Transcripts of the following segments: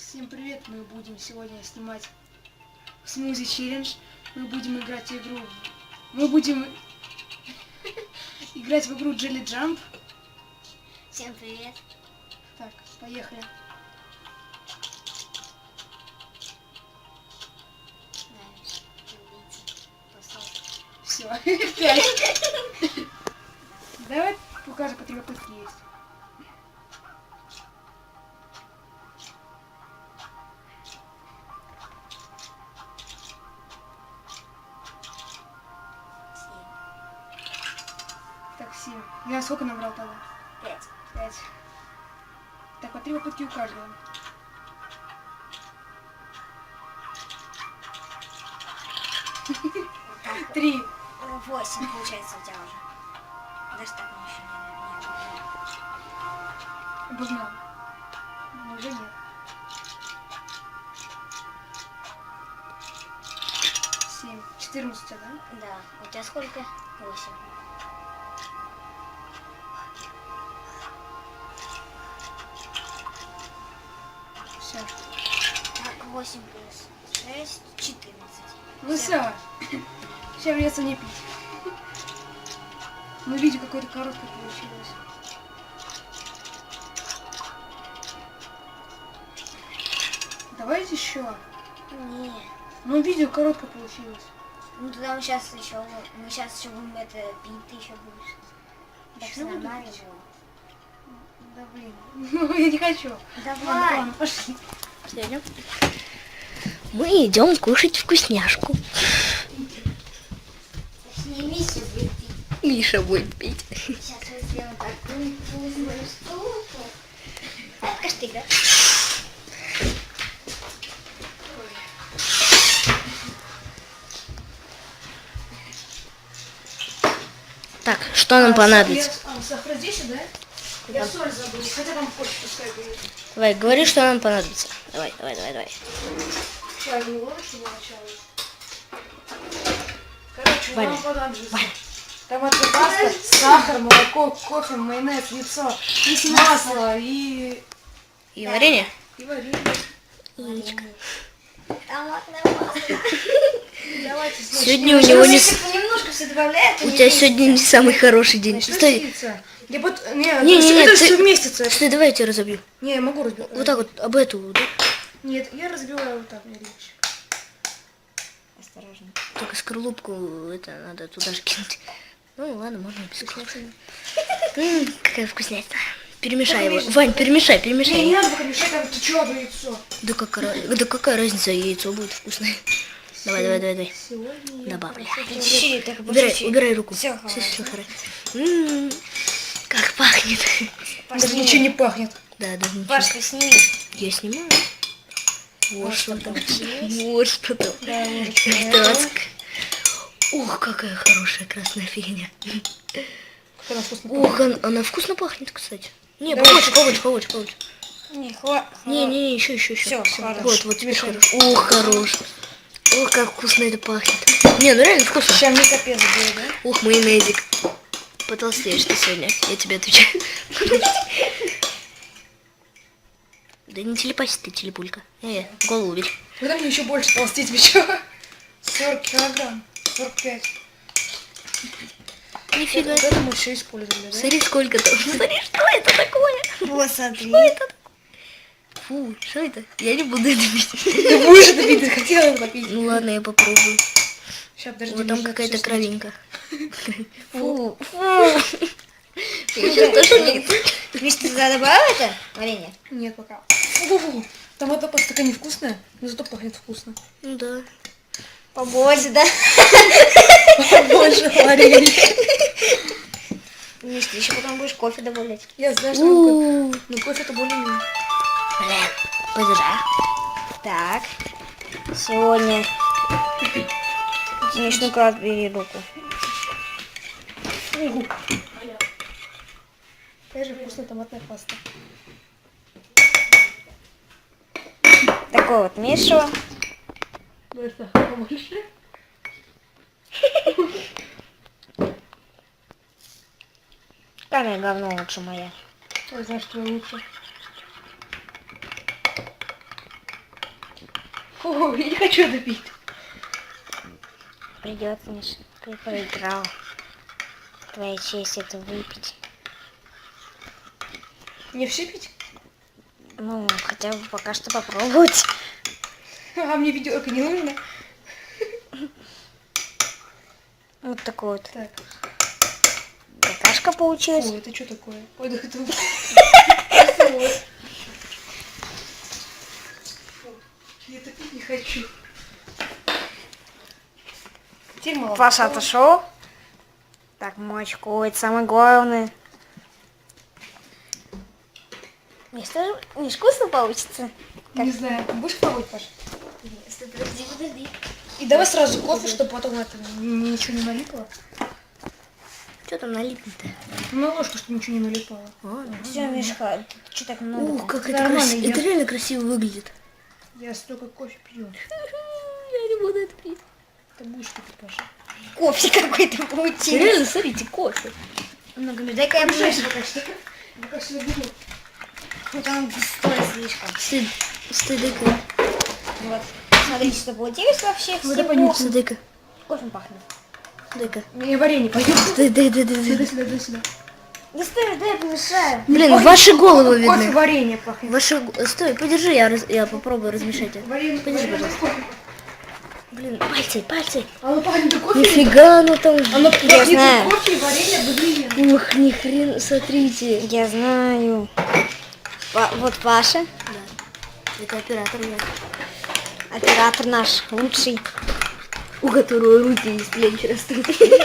Всем привет! Мы будем сегодня снимать смузи челлендж. Мы будем играть игру. Мы будем играть в игру Jelly Jump. Всем привет! Так, поехали. Все, 5. Давай покажем, по 3 попытки есть. Так, 7. Я сколько набрал тогда? 5. Так, по 3 попытки у каждого. Вот 3. 8 получается у тебя уже. Даже так мне еще не Обогнал. Но уже нет. 7. 14, да? Да. У тебя сколько? 8. Все. Так, 8 плюс 6, 14. Ну все. Сейчас придется не пить. Ну видео какое-то короткое получилось. Давайте еще. Не. Ну видео короткое получилось. Ну тогда мы сейчас еще будем это пить, ты еще будешь. Так Ещё что буду нормально пить? было. Да блин. Ну я не хочу. Давай. Ладно, пошли. Идем. Мы идем кушать вкусняшку. Снимись и будет пить. Миша будет пить. Сейчас мы сделаем такую вкусную штуку. Это штыка. Так, что нам понадобится? Сахар здесь, да? Я соль забыл. Хотя там позже пускай будет. Давай, говори, что нам понадобится. Давай. Чай не лучше начало. Короче, Валя, нам понадобится томатная паста, сахар, молоко, кофе, майонез, яйцо, масло и варенье? варенье. Томатное масло. Давайте, значит, Сегодня у него не... Если немножко все добавляет, У тебя сегодня не самый хороший день. Стой. Я вот, Не, это ты- все вместится. Стой, давай я тебя разобью. Не, я могу разбить. Вот так вот, об эту. Да? Нет, я разбиваю вот так, мне легче. осторожно. Только скорлупку это надо туда же кинуть. Ну ладно, можно без скорлупки. Какая вкуснятина. Перемешай его. Вань, перемешай. Не надо пока мешать, там течет яйцо. Да какая разница, яйцо будет вкусное. Давай. Сегодня я Добавляй. Чуть-чуть, только по чуть-чуть. Убирай руку. Всё Все хорошо. хорошо. Как пахнет. даже ничего не пахнет. Да, даже ничего. Пашка, сними. Я снимаю. Вот что там. есть. Вот что там. Да, Так. Ух, какая хорошая красная фигня. как она вкусно Ух, она вкусно пахнет, кстати. Не, Давай. побольше. Не, хватит. Не, еще. Всё, хорошо. Вот, теперь хорошо. Ух, хорош. Ух, как вкусно это пахнет. Не, ну реально вкусно. Сейчас мне капец будет, да? Ух, майонезик. Потолстеешь ты сегодня, я тебе отвечаю. Да не телепайся ты, телепулька. Голову бери. Когда мне еще больше толстеть, вы чё? 40 килограмм. 45. Нифига. Вот это мы еще использовали, да? Смотри, сколько там. Смотри, что это такое? Вот, смотри. Фу, что это? Я не буду это пить. Ты будешь это пить, ты хотела это попить. Ну ладно, я попробую. Сейчас, подожди. Вот там нужно какая-то всё снять. кровинка. Фу. Я сейчас тошнит. Миш, ты туда добавил это варенье? Нет, пока. Фу. Томатная паста такая невкусная, но зато пахнет вкусно. Ну да. Побольше, да? Больше варенья. Миш, ты еще потом будешь кофе добавлять. Я знаю, что там кофе. Но кофе-то более-менее. Блин, подожди. Так. Сегодня... Миш, ну-ка, отбери руку. Какая же вкусная томатная паста. Такой вот Мишу. Давай сахара побольше. Какая говно лучше моя. Ой, знаешь, что лучше. Фу, я не хочу это пить. Придется, Миша. Ты проиграл. Твоя честь это выпить. Не все пить? Ну, хотя бы пока что попробовать. А мне ведерко не нужно. Вот такой вот. Так. Какашка получилась. Фу, это что такое? Ой, да это... Я это пить не хочу. Теперь молоко. Паша отошел. Так, молочко, это самое главное. Мне что, не вкусно получится? Не знаю. Будешь пробовать, Паша? Подожди. И давай сразу кофе, чтобы потом это ничего не налипло. Что там налипнет-то? Ну, ложку, чтобы ничего не налипало. Все, Мишка, что так много? Ух, как Это это нормально, красиво. я- Это реально красиво выглядит. Я столько кофе пью. Я не буду это пить. Ты будешь пить, Паша. Кофе какой-то получился. Реально, смотрите, кофе. Много, дай-ка я ближе. Пока что. Пока что беру. Вот он густой слишком. Стыдыка. Вот. Смотрите, что получилось вообще. это Всего. понюхай. Стыдыка. Кофе пахнет. Стыдыка. Мне варенье пойдет. Сюда. Сюда. Да стой, дай помешаю. Блин, ваши головы Кофе видны. варенье пахнет. Стой, подержи, я попробую размешать это. Варенье, Подержи, варенье, пожалуйста. кофе. Блин, пальцы. Оно пахнет и кофе. Нифига оно там. Оно Я пахнет знаю. и кофе, и варенье одновременно. Ух, ни хрен, смотрите. Я знаю. Вот Паша, Это оператор я. оператор наш, лучший. У которого руки из плеч растут.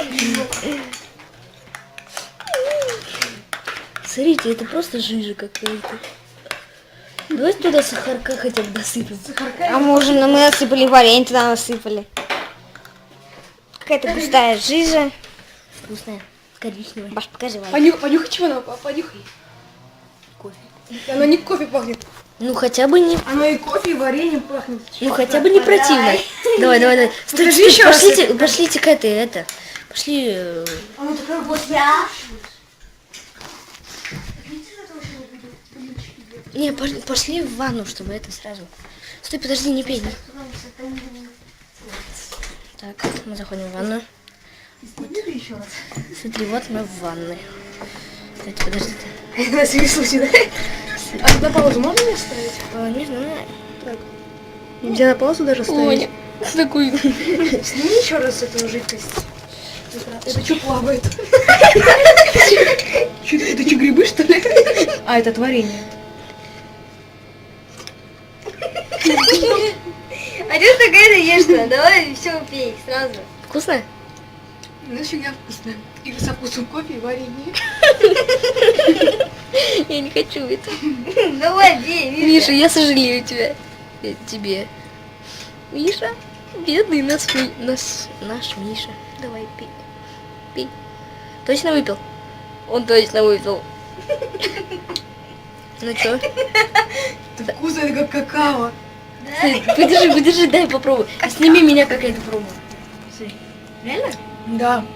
Смотрите, это просто жижа какая-то. Давайте туда сахарка хотя бы досыпем. А мы уже мы насыпали варенье, туда насыпали. Какая-то густая жижа. Вкусная, коричневая. Баш, покажи, Ваня. Понюхай, чего оно? Понюхай. Кофе. Оно не кофе пахнет. Ну хотя бы не, Оно и кофе, и вареньем пахнет. ну хотя бы не противно. Давай. Стойте, Покажи еще раз пошлите к этой, это. Пошли. Оно такое вот. Не, пошли в ванну, чтобы это сразу. Стой, подожди, не пей. Так, мы заходим в ванну. Еще раз. Смотри, вот мы в ванной. Кстати, подождите. На всякий случай, да? А на паузу можно мне ставить? Не знаю. Так. Нельзя на паузу даже ставить? Такой. Сними еще раз эту жидкость. Это что плавает? Это что, грибы, что ли? А, это варенье. А что такая ешь-то? Давай все пей сразу. Вкусно? Ну, фигня вкусная. И со вкусом кофе и варенье. Я не хочу это. Давай, пей, Миша, я сожалею тебя. Тебе. Миша, бедный наш Миша. Давай, пей. Пей. Точно выпил? Он точно выпил. Ну чё? Это вкусно, это как какао. Подержи, дай попробуй. Сними меня, как я это пробую. Реально? Да.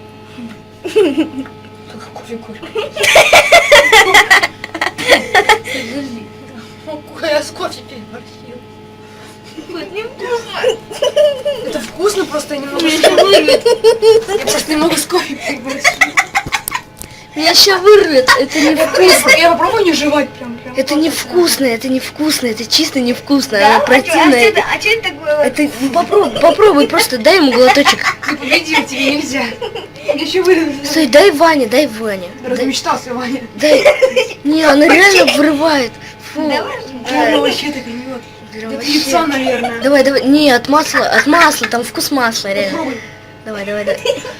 Кофе. Я с кофе переборщил. Это вкусно, просто я немного... Я просто немного с кофе переборщил. Меня сейчас вырвет. Это не вкусно. Я попробую не жевать прям. Это невкусно, это чисто невкусно. Оно противное. А что это такое? Это попробуй, просто дай ему глоточек. Ты победил, тебе нельзя. Я еще вырву. Стой, дай Ване. Размечтался, Ваня. Дай. Не, она реально вырывает. Фу. Оно вообще так гниет. Прям Это вообще. яйцо, наверное. Давай. Не, от масла, там вкус масла, реально. Попробуй. Давай.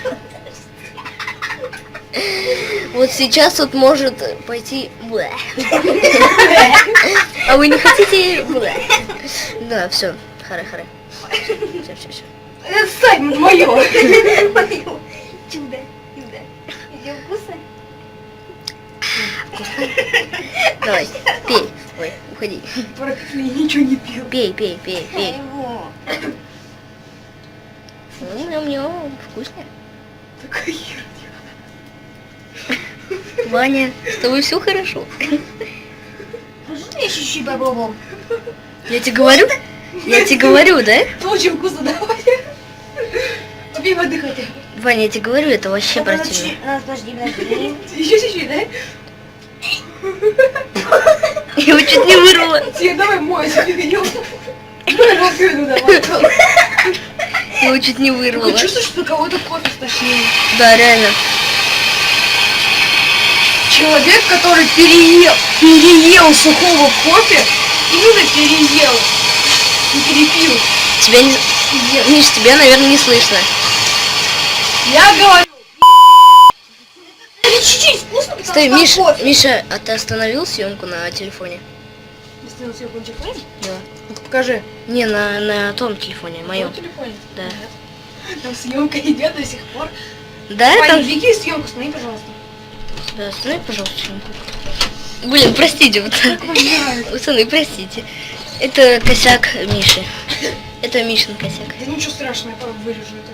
Вот сейчас вот может пойти... Блэ. А вы не хотите... Блэ. Да, все. Харе. Все. Это Сань, мое. Чудо. Ее вкусно? Давай, пей. Ой, уходи. Практически ничего не пил. Пей. Его. Ням-ням, вкусно. Такая херня. Ваня, с тобой все хорошо? Можно я чуть-чуть попробовал? Я тебе говорю? Я тебе говорю, да? Это очень вкусно, давай. Тебе воды хотя бы. Ваня, я тебе говорю, это вообще Подожди, противно. подожди. Еще чуть-чуть, да? Я его чуть не вырвала. Тебе давай мойся, фигнём. Раковину давай. Я его чуть не Ты вырвала. чувствуешь, что кого-то кофе стошнило? Да, реально. Человек, который переел сухого кофе, именно переел. Не перепил. Тебя не... Миш, тебя, наверное, не слышно. Я говорю. Это чуть-чуть вкусно, потому Стой, что там кофе. Миша, а ты остановил съемку на телефоне? Сделал себе кончик лайм? Да. Ну-ка покажи. Не, на том телефоне, На моем. телефоне? Да. Там съемка идет до сих пор. Да, Ваня, там... двигай съемку, останови, пожалуйста. Да, останови, пожалуйста, съемку. Блин, простите, пацаны, простите. Это косяк Миши. Это Мишин косяк. Да ничего страшного, я вырежу это.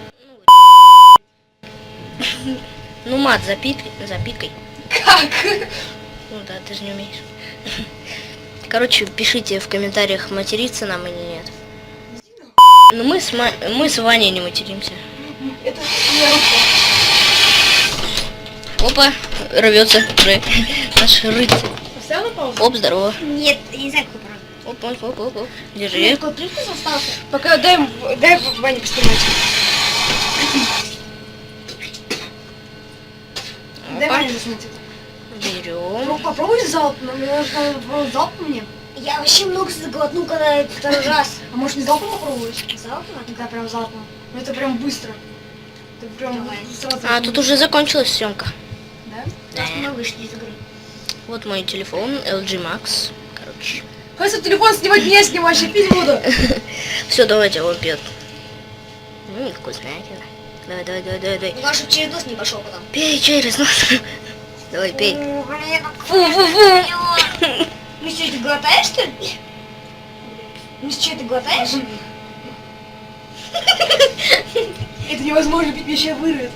Ну, мат, запикай. Как? Ну да, ты же не умеешь. Короче, пишите в комментариях, материться нам или нет. Ну мы с Ваней не материмся. Это моя рука. Опа, рвется уже наш рыцарь. Поставил на паузу? Оп, здорово. Нет, я не знаю, какой правда. Оп. Держи. Какой привкус остался? Пока дай Ване поснимать. Дай Опа. Ване заснять это. Берем. Ну попробуй залп, мне нужно попробовать залп мне. Я вообще много заглотну, когда это второй раз. А может не залпом попробовать? Залпом? Да, прям залпом. Ну это прям быстро. Это прям Давай. сразу. А, тут уже закончилась съемка. Да? Раз мы вышли из игры. Вот мой телефон, LG Max. Короче. Хватит телефон снимать, не снимать, я пить буду. Все, давайте, он пьет. Вкуснятина. Давай. Главное, чтобы через нос не пошел потом. Пей через нос. Давай, пей. О, блин, Фу. Ну что, ты глотаешь, что ли? Ну что, ты глотаешь? Это невозможно пить, меня сейчас вырвет.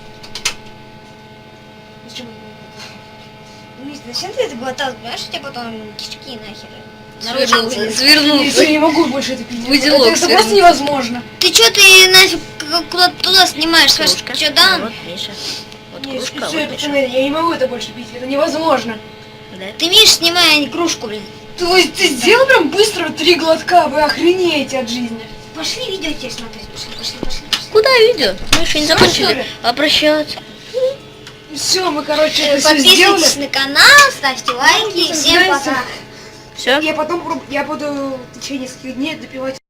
Зачем? Миш, зачем ты это глотал? Понимаешь, у тебя потом кишки нахер. Свернулся. Я Свернулся. не могу больше это пить. Узелок Это просто свернулся. невозможно. Ты что ты нафиг куда-то туда снимаешь? Кружка. Что, да? Вот, Миша. Вот Нет, кружка, всё, вот Миша. пацаны, я не могу это больше пить, это невозможно. Да? Ты Миш, снимай, а не кружку, блин. То есть ты сделал прям быстро 3 глотка, вы охренеете от жизни. Пошли видео тебе смотреть. Пошли. Куда видео? Мы еще не Всё, закончили. что ли? А прощаться. Все, мы, короче, это все сделали. Подписывайтесь на канал, ставьте лайки. Всем Нравится? пока. Все? Я буду в течение нескольких дней допивать